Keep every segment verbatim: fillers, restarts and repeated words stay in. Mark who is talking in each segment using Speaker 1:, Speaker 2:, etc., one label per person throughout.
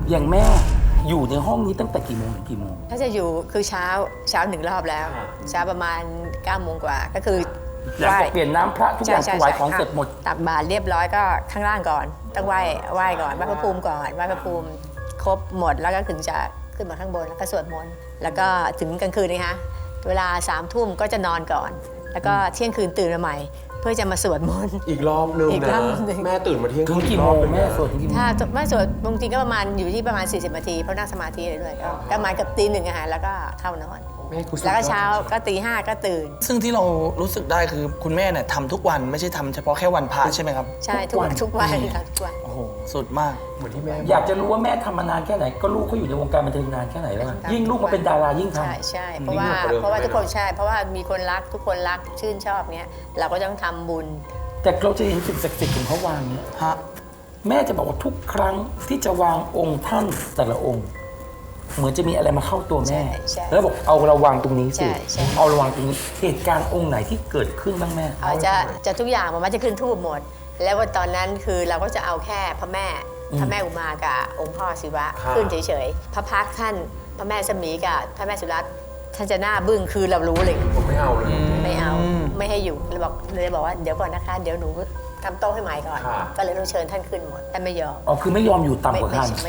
Speaker 1: อย่างแม่อยู่ในห้องนี้ตั้งแต่กี่โมงถึงกี่โมง
Speaker 2: ถ้าจะอยู่คือเช้าเช้าหนึ่งรอบแล้วเช้าประมาณเก้าโมงกว่าก็คือ
Speaker 1: หลังจากเปลี่ยนน้ำพระทุกอย่างถวายของเสร็จหมด
Speaker 2: ตักบาตรเรียบร้อยก็ข้างล่างก่อนต้องไหว้ไหว้ก่อนไหว้พระภูมิก่อนไหว้พระภูมิครบหมดแล้วก็ถึงจะขึ้นมาข้างบนแล้วก็สวดมนต์แล้วก็ถึงกลางคืนนะคะเวลาสามทุ่มก็จะนอนก่อนแล้วก็เที่ยงคืนตื่นมาใหม่เพื่อจะมาสวดมนต์
Speaker 3: อีกรอบนึงนะแม่ตื่นมาเที่ยง
Speaker 1: ถึงกี่โมงแม่สวดถึงกี่โมง
Speaker 2: ถ้าไม่สวดบางทีก็ประมาณอยู่ที่ประมาณสี่สิบนาทีเพราะนั่งสมาธิเลยก็ประมาณกับตีหนึ่งอาหารแล้วก็เข้านอนแล้วก็เช้าก็ตีห้าก็ตื่น
Speaker 4: ซึ่งที่เรารู้สึกได้คือคุณแม่เนี่ยทำทุกวันไม่ใช่ทำเฉพาะแค่วันพระใช่ไหมครับ
Speaker 2: ใช่ทุกวันทุกวันทุกวัน
Speaker 4: โอ้โหสุดมาก
Speaker 3: เหมือนที่แม่
Speaker 1: อยากจะรู้ว่าแม่ทำมานานแค่ไหนก็ลูกเขาอยู่ในวงการบันเทิงนานแค่ไหนแล้วยิ่งลูกมาเป็นดารายิ่งทำ
Speaker 2: ใช่ใช่เพราะว่าเพราะว่าทุกคนใช่เพราะว่ามีคนรักทุกคนรักชื่นชอบเนี้ยเราก็ต้องทำบุญ
Speaker 1: แต่เราจะเห็นสิ่งศักดิ์สิทธิ์ของเขาวางเนี่ยฮะแม่จะบอกว่าทุกครั้งที่จะวางองค์ท่านแต่ละองค์เหมือนจะมีอะไรมาเข้าตัวแม่แล้วบอกเอาระวังตรงนี้สิเอาระวังตรงนี้เหตุการณ์องค์ไหนที่เกิดขึ้นบ้างแม่
Speaker 2: เอาจะจะทุกอย่างมันจะขึ้นทูบหมดแล้วว่าตอนนั้นคือเราก็จะเอาแค่พระแม่พระแม่อุมากับองค์พ่อศิวะขึ้นเฉยๆพระพักท่านพระแม่สมีกับพระแม่สุรัตน์ท่านจะหน้าบึ้งคือเรารู้เลย
Speaker 3: ผมไม่เอาเลย
Speaker 2: ไม่เอาไม่ให้อยู่เลยบอกเลยบอกว่าเดี๋ยวก่อนนะคะเดี๋ยวหนูทำโต๊ะให้ใหม่ก่อนก็เลยต้องเชิญท่านขึ้นหมดแต่ไม่ยอม
Speaker 1: อ๋อคือไม่ยอมอยู่ต่ำกว่าท่าน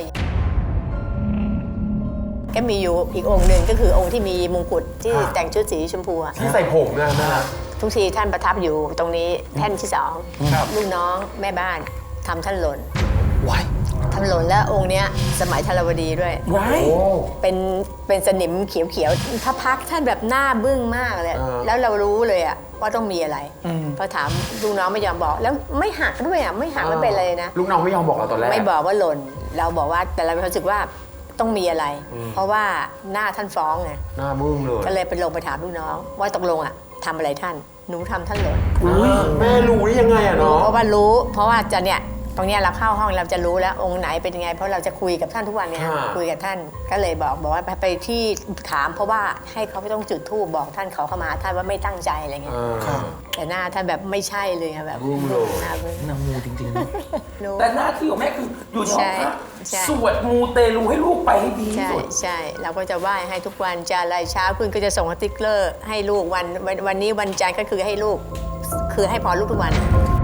Speaker 2: ก็มีอยู่อีกองค์หนึ่งก็คือองค์ที่มีมงกุฎที่แต่งชุดสีชมพู
Speaker 3: ที่ใส่ผมนะนะ
Speaker 2: ทุกทีท่านประทับอยู่ตรงนี้แท่นที่สองลูกน้องแม่บ้านทำท่านหล่น
Speaker 4: ว้าย
Speaker 2: ทำหล่นแล้วองค์เนี้ยสมัยธรวดีด้วย
Speaker 1: ว้าย
Speaker 2: เป็นเป็นสนิมเขียวๆพระพักท่านแบบหน้าบึ้งมากเลยแล้วเรารู้เลยอะว่าต้องมีอะไรพอถามลูกน้องไม่ยอมบอกแล้วไม่หักด้วยอะไม่หักไม่เป็นเลยนะ
Speaker 3: ลูกน้องไม่ยอมบอกเราตอนแรก
Speaker 2: ไม่บอกว่าหล่นเราบอกว่าแต่เรารู้สึกว่าต้องมีอะไรเพราะว่าหน้าท่านฟ้องไง
Speaker 3: หน้ามึงเลย
Speaker 2: ก็เลยไปลงไปถามลูกน้องว่าตกลงอะทำอะไรท่านหนูทำท่านหล่น
Speaker 3: แม่รู้ได้ยังไงอะเนาะ
Speaker 2: เพราะว่ารู้เพราะว่าจะเนี่ยตรงนี้เราเข้าห้องเราจะรู้แล้วองค์ไหนเป็นยังไงเพราะเราจะคุยกับท่านทุกวันเนี่ยคุยกับท่านก็เลยบอกบอกว่าไปที่ถามเพราะว่าให้เขาไม่ต้องจุดธูปบอกท่านเขาเข้ามาท่านว่าไม่ตั้งใจอะไรเงี้ยแต่หน้าท่านแบบไม่ใช่เลยแบบ
Speaker 1: หน้าหน้ามูจริงๆแต่หน้าที่ของแม่คืออยู่ในห้องพระสวดมูเตลูให้ลูกไปให้ดีที่สุด
Speaker 2: ใช่เราก็จะไหว้ให้ทุกวันจะอะไรเช้าขึ้นก็จะส่งสติ๊กเกอร์ให้ลูกวันวันนี้วันจันทร์ก็คือให้ลูกคือให้พรลูกทุกวัน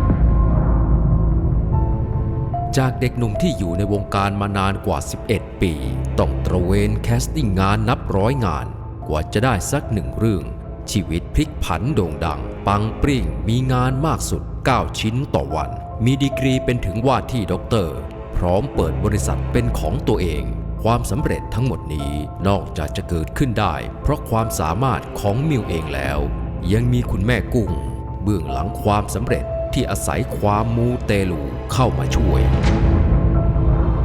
Speaker 5: จากเด็กหนุ่มที่อยู่ในวงการมานานกว่าสิบเอ็ดปีต้องตระเวนแคสติ้งงานนับร้อยงานกว่าจะได้สักหนึ่งเรื่องชีวิตพลิกผันโด่งดังปังปริ่งมีงานมากสุดเก้าชิ้นต่อวันมีดีกรีเป็นถึงว่าที่ด็อกเตอร์พร้อมเปิดบริษัทเป็นของตัวเองความสำเร็จทั้งหมดนี้นอกจากจะเกิดขึ้นได้เพราะความสามารถของมิวเองแล้วยังมีคุณแม่กุ้งเบื้องหลังความสำเร็จที่อาศัยความมูเตลูเข้ามาช่วย